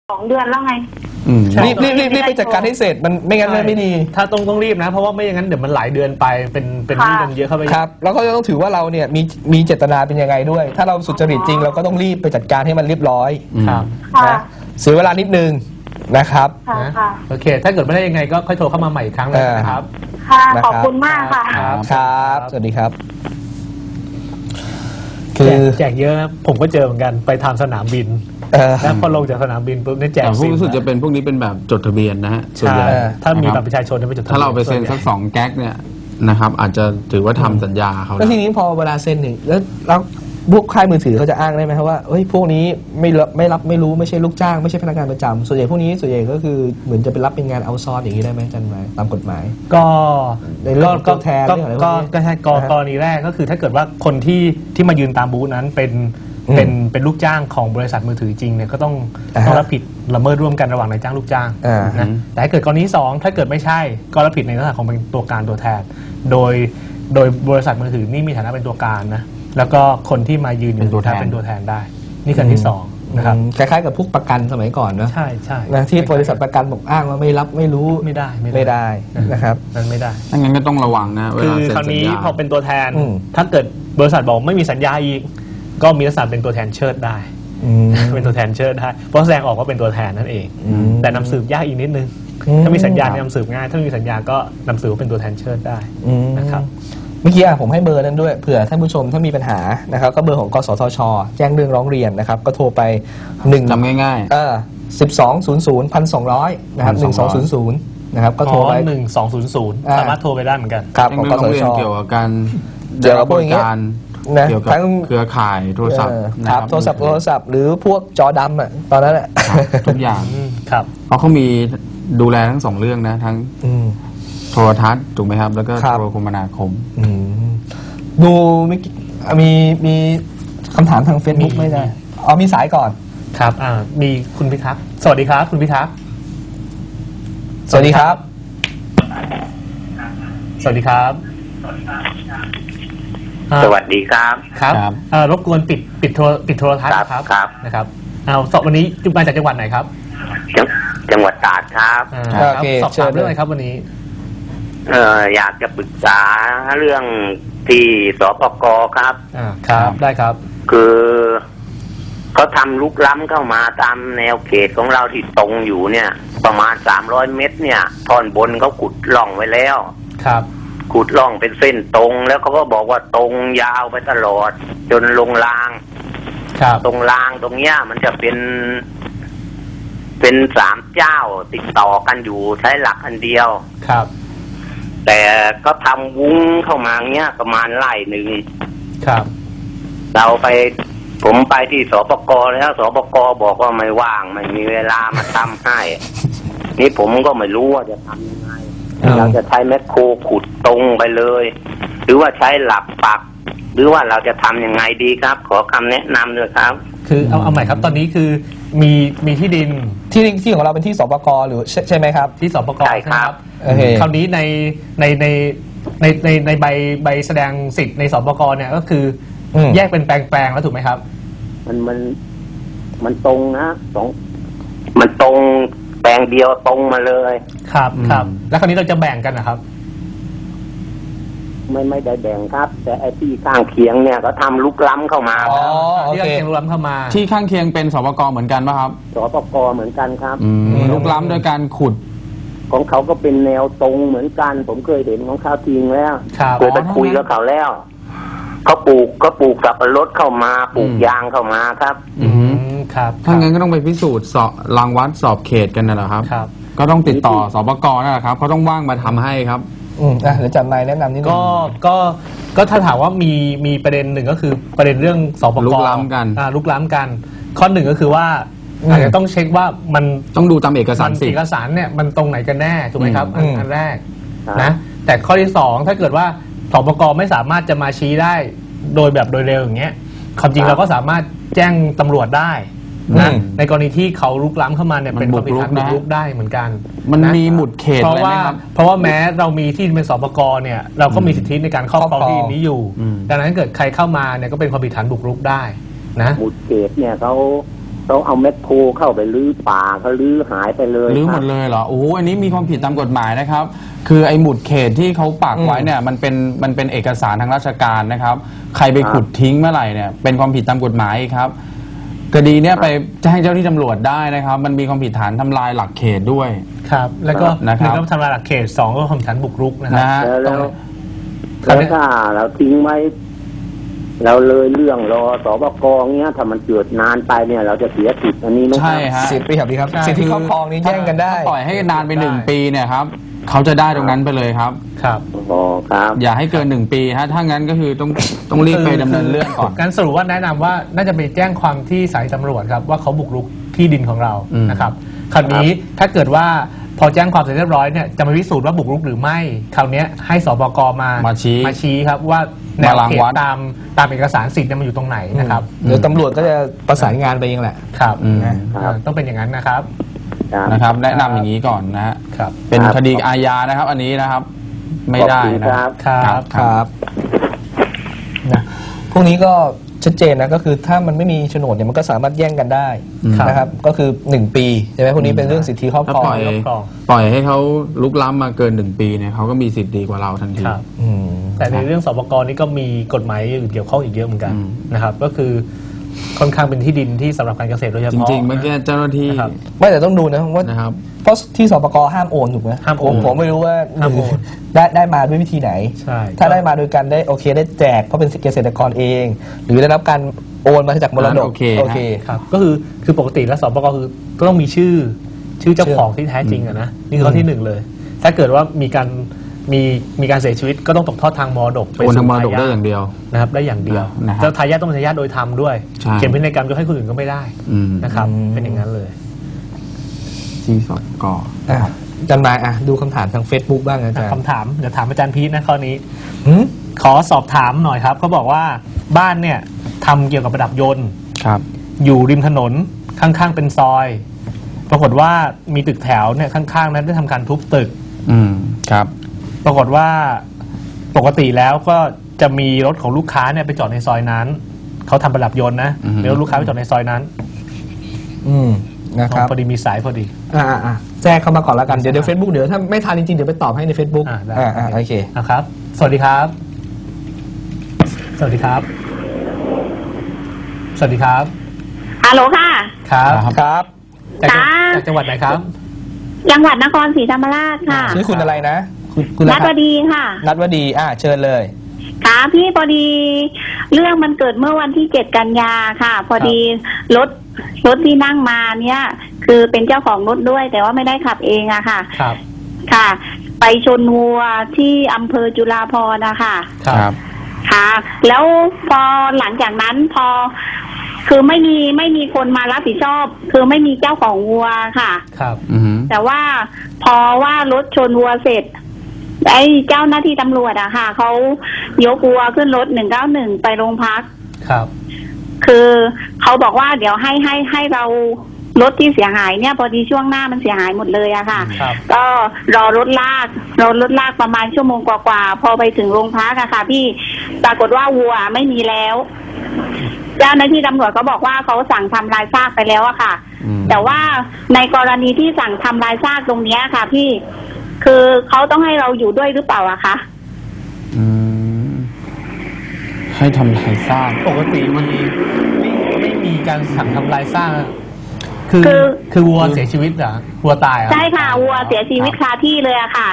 2 เดือนแล้วไงรีบไปจัดการให้เสร็จมันไม่งั้นไม่ดีถ้าต้องรีบนะเพราะว่าไม่อย่างนั้นเดี๋ยวมันหลายเดือนไปเป็นหนี้กันเยอะเข้าไปครับแล้วก็ต้องถือว่าเราเนี่ยมีเจตนาเป็นยังไงด้วยถ้าเราสุจริตจริงเราก็ต้องรีบไปจัดการให้มันเรียบร้อยครับนะเสียเวลานิดนึงนะครับโอเคถ้าเกิดไม่ได้ยังไงก็ค่อยโทรเข้ามาใหม่อีกครั้งเลยนะครับค่ะขอบคุณมากค่ะครับสวัสดีครับแจกเยอะผมก็เจอเหมือนกันไปทำสนามบินแล้วพอลงจากสนามบินปุ๊บนี่แจกซิมรู้สึกจะเป็นพวกนี้เป็นแบบจดทะเบียนนะฮะใช่ถ้ามีบัตรประชาชนไปจดทะเบียนถ้าเราไปเซ็นสัก2 แก๊กเนี่ยนะครับอาจจะถือว่าทำสัญญาเขาแล้วทีนี้พอเวลาเซ็นหนึ่งแล้วพวกค่ายมือถือเขาจะอ้างได้ไหมครับว่าเฮ้ยพวกนี้ไม่รู้ไม่ใช่ลูกจ้างไม่ใช่พนักงานประจำส่วนใหญ่พวกนี้ส่วนใหญ่ก็คือเหมือนจะเป็นรับเป็นงานเอาซอร์สอย่างนี้ได้ไหมจันไหมตามกฎหมายก็ในเรื่องตัวแทนก็ใช่กรณีแรกก็คือถ้าเกิดว่าคนที่มายืนตามบูธนั้นเป็นลูกจ้างของบริษัทมือถือจริงเนี่ยก็ต้องรับผิดละเมิดร่วมกันระหว่างนายจ้างลูกจ้างนะแต่ถ้าเกิดกรณี2ถ้าเกิดไม่ใช่ก็รับผิดในลักษณะของเป็นตัวการตัวแทนโดยบริษัทมือถือนี่มีฐานะเป็นตัวการนะแล้วก็คนที่มายืนเป็นตัวแทนได้นี่คือที่2นะครับคล้ายๆกับพวกประกันสมัยก่อนนะใช่ใช่นะที่บริษัทประกันบอกอ้างว่าไม่รับไม่รู้ไม่ได้นะครับนั่นไม่ได้งั้นก็ต้องระวังนะคือคราวนี้พอเป็นตัวแทนถ้าเกิดบริษัทบอกไม่มีสัญญาอีกก็มีลักษณะเป็นตัวแทนเชิดได้เป็นตัวแทนเชิดได้เพราะแสดงออกว่าเป็นตัวแทนนั่นเองแต่นำสืบยากอีกนิดนึงถ้ามีสัญญานำสืบง่ายถ้ามีสัญญาก็นำสืบว่าเป็นตัวแทนเชิดได้นะครับเมื่อกี้ผมให้เบอร์นั้นด้วยเผื่อท่านผู้ชมถ้ามีปัญหานะครับก็เบอร์ของกสทช.แจ้งเรื่องร้องเรียนนะครับก็โทรไปจำง่ายๆ1200 นะครับ1200นะครับก็โทรไป 1200สามารถโทรไปได้เหมือนกันครับของกสทช. เกี่ยวกับการเกี่ยวกับพวกอย่างเงี้ยนะเกี่ยวกับเครือข่ายโทรศัพท์ครับโทรศัพท์หรือพวกจอดำอ่ะตอนนั้นแหละทุกอย่างครับเพราะเขามีดูแลทั้ง2 เรื่องนะทั้งโทรทัศน์ถูกไหมครับแล้วก็โทรคมนาคมดูมีคำถามทาง Facebook ไม่ได้มีสายก่อนครับมีคุณพิทักษ์สวัสดีครับคุณพิทักษ์สวัสดีครับสวัสดีครับสวัสดีครับครับรบกวนปิดโทรทัศน์ครับนะครับวันนี้มาจากจังหวัดไหนครับจังหวัดตราดครับสอบถามเรื่องอะไรครับวันนี้อยากจะปรึกษาเรื่องที่สปก.ครับครับได้ครับคือเขาทำลุกล้ำเข้ามาตามแนวเขตของเราที่ตรงอยู่เนี่ยประมาณ300 เมตรเนี่ยท่อนบนเขาขุดร่องไว้แล้วครับขุดร่องเป็นเส้นตรงแล้วเขาก็บอกว่าตรงยาวไปตลอดจนลงรางตรงรางตรงเนี้ยมันจะเป็น3 เจ้าติดต่อกันอยู่ใช้หลักอันเดียวครับแต่ก็ทำวุ้งเข้ามาเนี้ยประมาณไร่หนึ่งครับผมไปที่สปก.แล้วสปก.บอกว่าไม่ว่างไม่มีเวลามาทำให้นี่ผมก็ไม่รู้ว่าจะทำยังไงเราจะใช้แมคโครขุดตรงไปเลยหรือว่าใช้หลักปักหรือว่าเราจะทำยังไงดีครับขอคำแนะนำด้วยครับคือเอาใหม่ครับตอนนี้คือมีที่ดินที่ของเราเป็นที่สปก.หรือใช่ไหมครับที่สปก. ใช่ครับคราวนี้ในใบแสดงสิทธิ์ในสปก.เนี่ยก็คือแยกเป็นแปลงแล้วถูกไหมครับมันตรงนะมันตรงแปลงเดียวตรงมาเลยครับแล้วคราวนี้เราจะแบ่งกันนะครับไม่ได้แบ่งครับแต่ไอ้ที่ข้างเคียงเนี่ยก็ทำลุกล้ำเข้ามาที่ข้างเคียงลุกล้ำเข้ามาที่ข้างเคียงเป็นสปก.เหมือนกันป่ะครับสปก.เหมือนกันครับลุกล้ำโดยการขุดของเขาก็เป็นแนวตรงเหมือนกันผมเคยเห็นของเขาจริงแล้วเคยไปคุยกับเขาแล้วเขาปลูกสับปะรดเข้ามาปลูกยางเข้ามาครับครับถ้างั้นก็ต้องไปพิสูจน์รังวัดสอบเขตกันนั่นแหละครับก็ต้องติดต่อสปก.นั่นแหละครับเขาต้องว่างมาทำให้ครับเดี๋ยวจัดนายแนะนำนิดนึงก็ถ้าถามว่ามีประเด็นหนึ่งก็คือประเด็นเรื่องสปก.ลุกล้ำกันข้อหนึ่งก็คือว่าอาจจะต้องเช็คว่ามันต้องดูตามเอกสารเอกสารเนี่ยมันตรงไหนกันแน่ถูกไหมครับอันแรกนะแต่ข้อที่2ถ้าเกิดว่าสปก.ไม่สามารถจะมาชี้ได้โดยเร็วอย่างเงี้ยความจริงเราก็สามารถแจ้งตำรวจได้นะในกรณีที่เขาลุกล้ำเข้ามาเนี่ยเป็นความผิดฐานบุกรุกได้เหมือนกันมันมีหมุดเขตเพราะว่าแม้เรามีที่เป็นสปก.เนี่ยเราก็มีสิทธิในการครอบครองที่นี้อยู่ดังนั้นเกิดใครเข้ามาเนี่ยก็เป็นความผิดฐานบุกรุกได้นะหมุดเขตเนี่ยเขาเขาเอาแมคโครเข้าไปรื้อป่าเขารื้อหายไปเลยรื้อหมดเลยเหรอโอ้โหอันนี้มีความผิดตามกฎหมายนะครับคือไอ้หมุดเขตที่เขาปักไว้เนี่ยมันเป็นเอกสารทางราชการนะครับใครไปขุดทิ้งเมื่อไหร่เนี่ยเป็นความผิดตามกฎหมายครับคดีเนี่ยไปแจ้งเจ้าที่ตำรวจได้นะครับมันมีความผิดฐานทำลายหลักเขตด้วยครับแล้วก็นะครับ 1ก็ทำลายหลักเขต2ก็ความผิดฐานบุกรุกนะครันะฮะแล้วถ้าเราทิ้งไว้เราเลยเรื่องรอสบกเงี้ยถ้ามันเกิดนานไปเนี่ยเราจะเสียสิทธิ์อันนี้ไหมครับใช่ฮะสิทธิเปรียบดีครับสิทธิครอบครองนี้แย่งกันได้ปล่อยให้นานไป1 ปีเนี่ยครับเขาจะได้ตรงนั้นไปเลยครับครับอ๋อครับอย่าให้เกิน1 ปีฮะถ้างั้นก็คือต้องรีบไปดำเนินเรื่องก่อนการสรุปว่าแนะนำว่าน่าจะไปแจ้งความที่สายตำรวจครับว่าเขาบุกรุกที่ดินของเรานะครับคราวนี้ถ้าเกิดว่าพอแจ้งความเสร็จเรียบร้อยเนี่ยจะมาพิสูจน์ว่าบุกรุกหรือไม่คราวนี้ให้สบกมาชี้ครับว่าแนวเขตตามเอกสารสิทธิ์มันอยู่ตรงไหนนะครับเดี๋ยวตำรวจก็จะประสานงานไปเองแหละครับครับต้องเป็นอย่างนั้นนะครับนะครับแนะนำอย่างนี้ก่อนนะฮะครับเป็นคดีอาญานะครับ อันนี้นะครับไม่ได้ขอบคุณนะครับครับนะพวกนี้ก็ชัดเจนนะก็คือถ้ามันไม่มีโฉนดเนี่ยมันก็สามารถแย่งกันได้นะครับก็คือ1 ปีใช่ไหมพวกนี้เป็นเรื่องสิทธิครอบถ้าครองปล่อยให้เขาลุกล้ำมาเกิน1 ปีเนี่ยเขาก็มีสิทธิ์ดีกว่าเราทันทีครับอืมแต่ในเรื่องสปกนี่ก็มีกฎหมายอื่นเกี่ยวข้องอีกเยอะเหมือนกันอืมนะครับ ก็คือค่อนข้างเป็นที่ดินที่สำหรับการเกษตรโดยเฉจพาะริงๆเมื่อกี้เจ้าหน้าที่นะครับไม่แต่ต้องดูนะว่านะครับเพราะที่สปกห้ามโอนถูกไหมห้ามโอนผมไม่รู้ว่าห้ามโอนได้มาด้วยวิธีไหนใช่ถ้าได้มาโดยการได้โอเคได้แจกเพราะเป็นเกษตรกรเอง หรือได้รับการโอนมาจากมรดกโอเคโอเคครับก็คือปกติแล้วสปกคือต้องมีชื่อเจ้าของที่แท้จริงอะนะนี่คือข้อที่ 1 เลย ถ้าเกิดว่ามีการเสียชีวิตก็ต้องตกทอดทางมรดกไปโอนสู่ทางมรดกทได้อย่างเดียวนะครับได้อย่างเดียวนะครับเจ้าทายาทต้องเป็นทายาทโดยธรรมด้วยใช่เขียนพินัยกรรมยกให้คนอื่นก็ไม่ได้อืมนะครับเป็นอย่างนั้นเลยที่สกอาจารย์นายดูคำถามทาง Facebook บ้างอาจารย์คำถามเดี๋ยวถามอาจารย์พีทนะข้อนี้หืมขอสอบถามหน่อยครับเขาบอกว่าบ้านเนี่ยทำเกี่ยวกับประดับยนต์ครับอยู่ริมถนนข้างๆเป็นซอย ปรากฏว่ามีตึกแถวเนี่ยข้างๆนั้นได้ทำการทุบตึกครับปรากฏว่าปกติแล้วก็จะมีรถของลูกค้าเนี่ยไปจอดในซอยนั้นเขาทำประดับยนต์นะอือฮึมีรถลูกค้าไปจอดในซอยนั้นนะครับพอดีมีสายพอดีแจ้งเข้ามาก่อนแล้วกันเดี๋ยว Facebook เดี๋ยวถ้าไม่ทันจริงๆเดี๋ยวไปตอบให้ใน Facebook ได้โอเคนะครับ สวัสดีครับ สวัสดีครับ สวัสดีครับฮัลโหลค่ะครับครับจากจังหวัดไหนครับจังหวัดนครศรีธรรมราชค่ะชื่อคุณอะไรนะคุณนัดวดีค่ะนัดวดีเชิญเลยค่ะพี่พอดีเรื่องมันเกิดเมื่อวันที่7 กันยาค่ะ พอดีรถที่นั่งมาเนี่ย คือเป็นเจ้าของรถด้วย แต่ว่าไม่ได้ขับเองอะค่ะครับค่ะ ไปชนวัวที่อำเภอจุฬาภรณ์นะคะครับค่ะ แล้วพอหลังจากนั้นคือไม่มีคนมารับผิดชอบ คือไม่มีเจ้าของวัวค่ะครับแต่ว่าพอว่ารถชนวัวเสร็จไอ้เจ้าหน้าที่ตำรวจอะค่ะเขายกวัวขึ้นรถ191ไปโรงพักครับคือเขาบอกว่าเดี๋ยวให้เรารถที่เสียหายเนี่ยพอดีช่วงหน้ามันเสียหายหมดเลยอะค่ะครับก็รอรถลากประมาณชั่วโมงกว่าๆพอไปถึงโรงพักอะค่ะพี่ปรากฏว่าวัวไม่มีแล้ว เจ้าหน้าที่ตำรวจก็บอกว่าเขาสั่งทำลายซากไปแล้วอะค่ะ แต่ว่าในกรณีที่สั่งทำลายซากตรงเนี้ยค่ะ พี่คือเขาต้องให้เราอยู่ด้วยหรือเปล่าอะคะให้ทำลายซากปกติมันไม่มีการสั่งทำลายซากคือวัวเสียชีวิตเหรอวัวตายเหรอใช่ค่ะวัวเสียชีวิตคาที่เลยอะค่ะ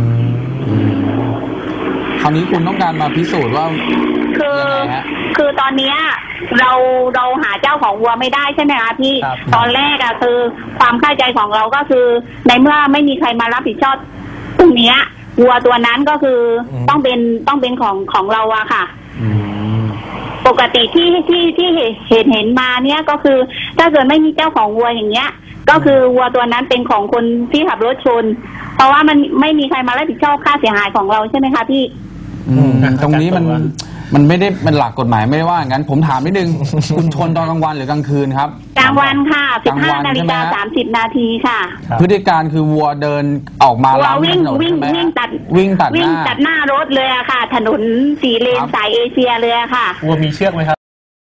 คราวนี้คุณต้องการมาพิสูจน์ว่าคือตอนเนี้ยเราหาเจ้าของวัวไม่ได้ใช่ไหมคะพี่ ตอนแรกอะคือความเข้าใจของเราก็คือในเมื่อไม่มีใครมารับผิดชอบตรงเนี้ยวัวตัวนั้นก็คือต้องเป็นของเราอะค่ะ ปกติที่เห็นมาเนี้ยก็คือถ้าเกิดไม่มีเจ้าของวัวอย่างเงี้ย ก็คือวัวตัวนั้นเป็นของคนที่ขับรถชน เพราะว่ามันไม่มีใครมารับผิดชอบค่าเสียหายของเราใช่ไหมคะพี่ตรงนี้มันไม่ได้เป็นหลักกฎหมายไม่ได้ว่างั้นผมถามนิดนึง คุณชนตอนกลางวันหรือกลางคืนครับกลางวันค่ะกลางวันใช่ไหม 15:30 นาทีค่ะพฤติการคือวัวเดินออกมาวัวล้ำวิ่ถงนนวิ่งใช่ไหมวิ่งตัดวิ่งตัดหน้ารถเลยอะค่ะ ถนน4 เลนครับสายเอเชียเลยอะค่ะวัวมีเชือกไหมครับ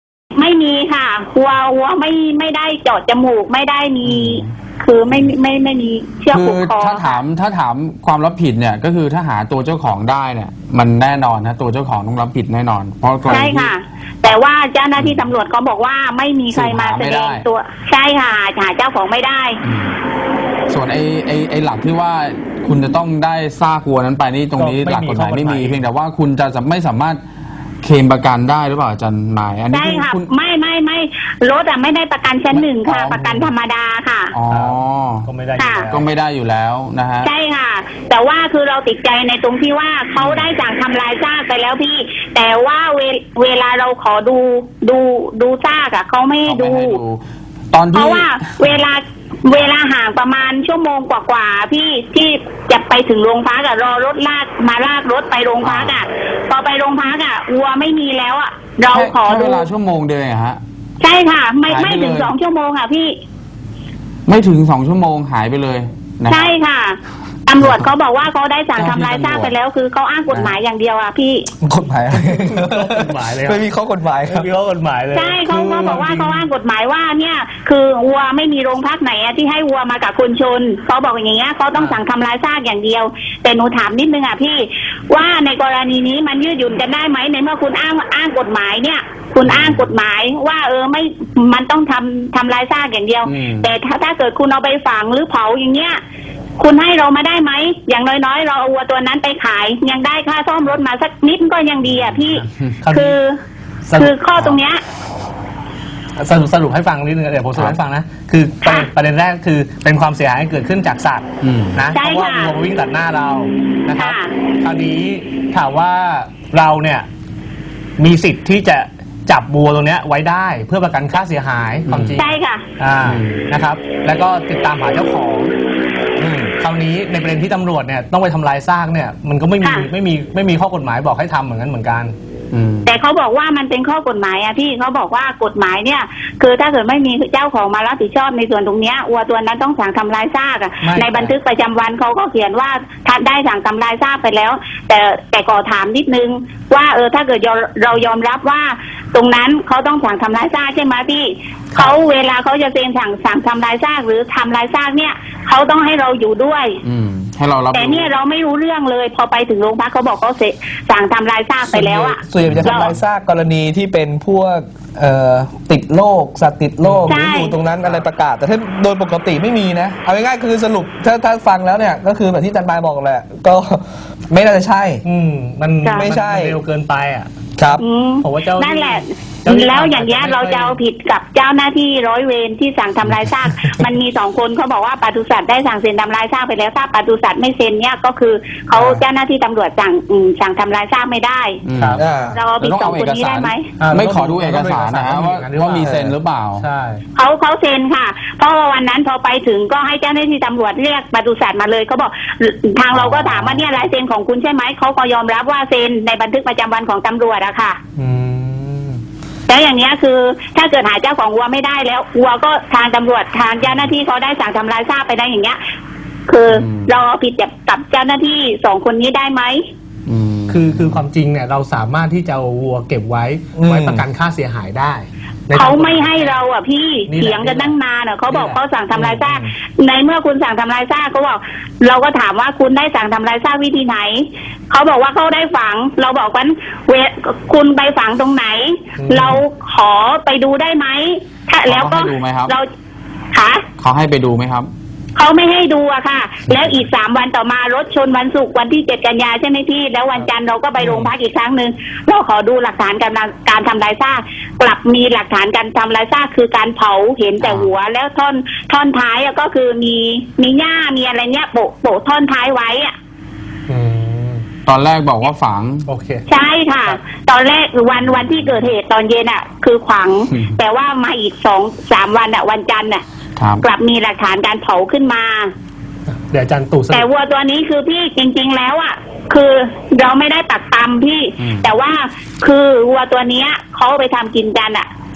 ไม่มีค่ะวัวไม่ได้เจาะจมูกไม่ได้มี คือไม่มีเชือกคืผูกอคอถ้าถามความรับผิดเนี่ยก็คือถ้าหาตัวเจ้าของได้เนี่ยมันแน่นอนนะตัวเจ้าของต้องรับผิดแน่นอนเพราะกรณีใช่ค่ะ แต่ว่าเจ้าหน้าที่ตำรวจเขาบอกว่าไม่มีใครมาแสดงตัวใช่ค่ะหาเจ้าของไม่ได้ส่วนไอ้หลักที่ว่าคุณจะต้องได้ซากวัวนั้นไปนี่ตรงนี้หลักกฎหมายไม่มีเพียงแต่ว่าคุณจะไม่สามารถเคลมประกันได้หรือเปล่าอาจารย์หมายอันนี้ใช่ค่ะคุณไม่รถไม่ได้ประกันชั้นหนึ่งค่ะอ๋อประกันธรรมดาค่ะอ๋อก็ไม่ได้อยู่แล้วก็ไม่ได้อยู่แล้วนะฮะใช่ค่ะ แต่ว่าคือเราติดใจในตรงที่ว่าเขาได้สั่งทำลายซากไปแล้วพี่ แต่ว่าเวลาเราขอดูซากอะเขาไม่ให้ดูตอนเพที่ราะว่าเวลาห่างประมาณชั่วโมงกว่าๆพี่ที่จะไปถึงโรงพักอะรอรถลากรถไปโรงพักอะพอไปโรงพักอะวัวไม่มีแล้วอะเราขอแค่ดูเวลาชั่วโมงเดียวเองฮะใช่ค่ะ ไม่หายไปถึงเลย 2 ชั่วโมงอะพี่ไม่ถึง2 ชั่วโมงหายไปเลยนะครับใช่ค่ะตำรวจเขาบอกว่าเขาได้สั่งทำลายซากไปแล้วคือเขาอ้างกฎหมายอย่างเดียวอะพี่กฎหมายอะไรกฎหมายเลยครับไม่มีข้อกฎหมายครับไม่มีข้อกฎหมายเลยใช่เขาบอกว่าเขาอ้างกฎหมายว่าเนี่ยคือวัวไม่มีโรงพักไหนอะที่ให้วัวมากับคนชนเขาบอกอย่างเงี้ยเขาต้องสั่งทำลายซากอย่างเดียว แต่หนูถามนิดนึงอะพี่ว่าในกรณีนี้มันยืดหยุ่นกันได้ไหมในเมื่อคุณอ้างกฎหมายเนี่ย คุณอ้างกฎหมายว่าไม่มันต้องทำลายซากอย่างเดียว แต่ถ้าเกิดคุณเอาไปฝังหรือเผาอย่างเงี้ยคุณให้เรามาได้ไหมอย่างน้อยๆเราเอาวัวตัวนั้นไปขายยังได้ค่าซ่อมรถมาสักนิดก็ยังดีอะพี่ครับคือข้อตรงเนี้ยสรุปให้ฟังนิดนึงเดี๋ยวผมสรุปให้ฟังนะคือประเด็นแรกคือเป็นความเสียหายที่เกิดขึ้นจากสัตว์นะใช่เพราะว่าค่ะวัววิ่งตัดหน้าเรานะครับค่ะคราวนี้ถามว่าเราเนี่ยมีสิทธิ์ที่จะจับวัวตรงเนี้ยไว้ได้เพื่อประกันค่าเสียหายความจริงใช่ค่ะนะครับ แล้วก็ติดตามหาเจ้าของคราวนี้ในประเด็นที่ตำรวจเนี่ยต้องไปทำลายซากเนี่ยมันก็ไม่มีข้อกฎหมายบอกให้ทำเหมือนกันแต่เขาบอกว่ามันเป็นข้อกฎหมายอะพี่เขาบอกว่ากฎหมายเนี่ย คือถ้าเกิดไม่มีเจ้าของมารับผิดชอบในส่วนตรงเนี้ยวัวตัวนั้นต้องสั่งทำลายซากอะไม่ในบันทึกประจำวันเขาก็เขียนว่าถ้าได้สั่งทำลายซากไปแล้ว แต่ขอถามนิดนึงว่าถ้าเกิดเรายอมรับว่า ตรงนั้นเขาต้องสั่งทำลายซากใช่ไหมพี่เขาเวลาเขาจะเซ็นสั่งทำลายซากหรือทำลายซากเนี่ยเขาต้องให้เราอยู่ด้วยให้เรารับแต่เนี่ยเราไม่รู้เรื่องเลย พอไปถึงโรงพักเขาบอกเขาสั่งทำลายซากไปแล้วอะส่วนใหญ่จะทำลายซากกรณีที่เป็นพวกติดโรคสัตว์ติดโรคหใช่รืออยู่ตรงนั้นอะไรประกาศ แต่ถ้าโดยปกติไม่มีนะเอาง่ายๆคือสรุปถ้าฟังแล้วเนี่ยก็คือแบบที่อาจารย์ปายบอกแหละก็ไม่น่าจะใช่มันไม่ใช่เร็วเกินไปอ่ะครับผมว่าเจ้านั่นแหละเจ้าหน้าที่แล้วอย่างเงี้ยเราจะเอาผิดกับเจ้าหน้าที่ร้อยเวรที่สั่งทำลายซาก มันมี2 คนเขาบอกว่าปศุสัตว์ได้สั่งเซ็นทำลายซากไปแล้วถ้าปศุสัตว์ไม่เซ็นเนี่ยก็คือเขาเจ้าหน้าที่ตำรวจสั่งทำลายซากไม่ได้ครับเราเอาผิด 2 คนนี้ได้ไหมไม่ขอดูเอกสารนะฮะว่ามีเซ็นหรือเปล่าใช่เขาเซ็นค่ะ เพราะว่าวันนั้นพอไปถึงก็ให้เจ้าหน้าที่ตำรวจเรียกปศุสัตว์มาเลยเขาบอกทางเราก็ถามว่าเนี่ยลายเซ็นของคุณใช่ไหมเขาก็ยอมรับว่าเซ็นในบันทึกประจำวันของตำรวจอะค่ะแล้วอย่างเนี้ยคือถ้าเกิดหาเจ้าของวัวไม่ได้แล้ววัวก็ทางตำรวจทางเจ้าหน้าที่เขาได้สั่งทำลายซากไปได้อย่างเงี้ย คือเราเอาผิดกับเจ้าหน้าที่2 คนนี้ได้ไหมคือความจริงเนี่ยเราสามารถที่จะเอาวัวเก็บไว้ประกันค่าเสียหายได้เขาไม่ให้เราอ่ะพี่นี่แหละเถียงกันตั้งนานอ่ะเขาบอกนี่แหละเขาสั่งทำลายซากในเมื่อคุณสั่งทำลายซากเขาบอกเราก็ถามว่าคุณได้สั่งทำลายซากวิธีไหนเขาบอกว่าเขาได้ฝัง เราบอกว่าคุณไปฝังตรงไหน เราขอไปดูได้ไหมถ้าแล้วก็เขาให้ดูไหมครับเราค่ะเขาให้ไปดูไหมครับเขาไม่ให้ดูอะค่ะ แล้วอีก3 วันต่อมารถชนวันศุกร์วันที่7 กันยาใช่ไหมพี่แล้ววันจันทร์เราก็ไปโรงพักอีกครั้งหนึ่งเราขอดูหลักฐานการทำลายซากกลับมีหลักฐานการทำลายซากคือการเผาเห็นแต่หัวแล้วท่อนท้ายอะก็คือมีหญ้ามีอะไรเนี้ยโปะท่อนท้ายไว้อะตอนแรกบอกว่าฝังโอเคใช่ค่ะ ตอนแรกวันที่เกิดเหตุตอนเย็นอะคือขวางแต่ว่ามาอีก2-3 วันอะวันจันทร์อะครับกลับมีหลักฐานการเผาขึ้นมาเดี๋ยวอาจารย์ตู่สรุแต่ปวัวตัวนี้คือพี่จริงๆแล้วอ่ะคือเราไม่ได้ปักตำพี่ แต่ว่าคือวัวตัวเนี้ยเขาไปทำกินกันอ่ะ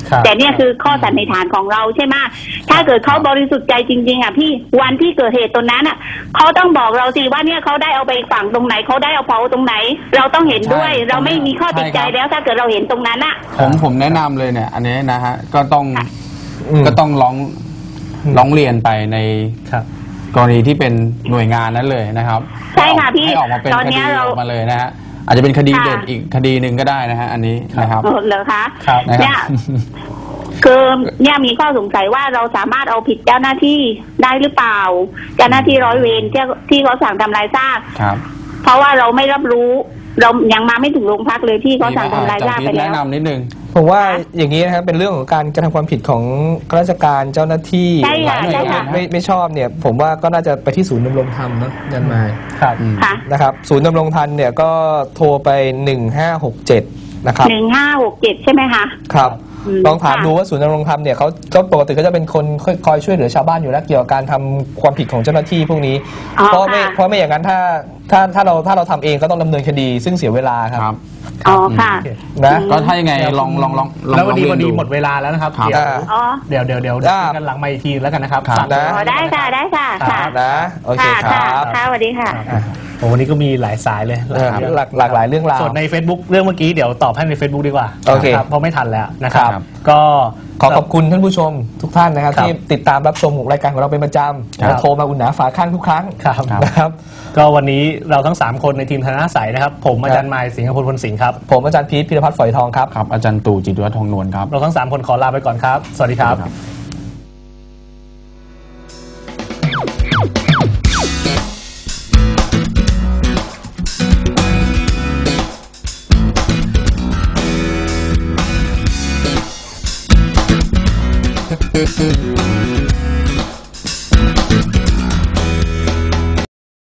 แต่เนี่ยคือข้อสันนิษฐานของเราใช่ไหมถ้าเกิดเขาบริสุทธิ์ใจจริงๆอ่ะพี่วันที่เกิดเหตุตรงนั้นอ่ะเขาต้องบอกเราสิว่าเนี่ยเขาได้เอาไปฝังตรงไหนเขาได้เอาเผาตรงไหนเราต้องเห็นด้วย เราไม่มีข้อติดใจแล้วถ้าเกิดเราเห็นตรงนั้นอ่ะผมแนะนำเลยเนี่ยอันนี้นะฮะก็ต้องร้องเรียนไปในกรณีที่เป็นหน่วยงานนั้นเลยนะครับใช่ค่ะพี่ให้ออกมาเป็นคดีออกมาเลยนะฮะอาจจะเป็นคดีเด็ดอีกคดีหนึ่งก็ได้นะฮะอันนี้นะครับเหรอคะเนี่ยคือเนี่ยมีข้อสงสัยว่าเราสามารถเอาผิดเจ้าหน้าที่ได้หรือเปล่าเจ้าหน้าที่ร้อยเวรที่เขาสั่งทำลายซากเพราะว่าเราไม่รับรู้เรายังมาไม่ถึงโรงพักเลยที่เขาสั่งทำลายซากไปแล้วแนะนำนิดนึงผมว่าอย่างนี้นะครับเป็นเรื่องของการกระทำความผิดของข้าราชการเจ้าหน้าที่ไม่ชอบเนี่ยผมว่าก็น่าจะไปที่ศูนย์ดำรงธรรมเนาะยันมาครับนะครับศูนย์ดำรงธรรมเนี่ยก็โทรไป1567นะครับ 1567ใช่ไหมคะครับลองถามดูว่าศูนย์ดำรงธรรมเนี่ยเขาปกติเขาจะเป็นคนคอยช่วยเหลือชาวบ้านอยู่แล้วเกี่ยวกับการทำความผิดของเจ้าหน้าที่พวกนี้เพราะไม่อย่างนั้นถ้าเราทำเเองก็ต้องดำเนินคดีซึ่งเสียเวลาครับอ๋อค่ะนะก็ถ้ายังไงลองแล้ววันนี้หมดเวลาแล้วนะครับเดี๋ยวกันหลังไม่ทีแล้วกันนะครับได้ค่ะนะโอเคครับค่ะสวัสดีค่ะโอ้วันนี้ก็มีหลายสายเลยหลากหลายเรื่องราวส่วนใน Facebook เรื่องเมื่อกี้เดี๋ยวตอบให้ใน Facebook ดีกว่าโอเคเพราะไม่ทันแล้วนะครับก็ขอบคุณท่านผู้ชมทุกท่านนะครับที่ติดตามรับชมรายการของเราเป็นประจำและโทรมาอุ่นหนาฝาข้างทุกครั้งนะครับก็วันนี้เราทั้ง3คนในทีมธนาสายนะครับผมอาจารย์ไมค์สิงห์พลพลสิงห์ครับผมอาจารย์พีทพิรพัฒน์ฝอยทองครับอาจารย์ตู่จิตรวัฒน์ทองนวลครับเราทั้ง3คนขอลาไปก่อนครับสวัสดีครับ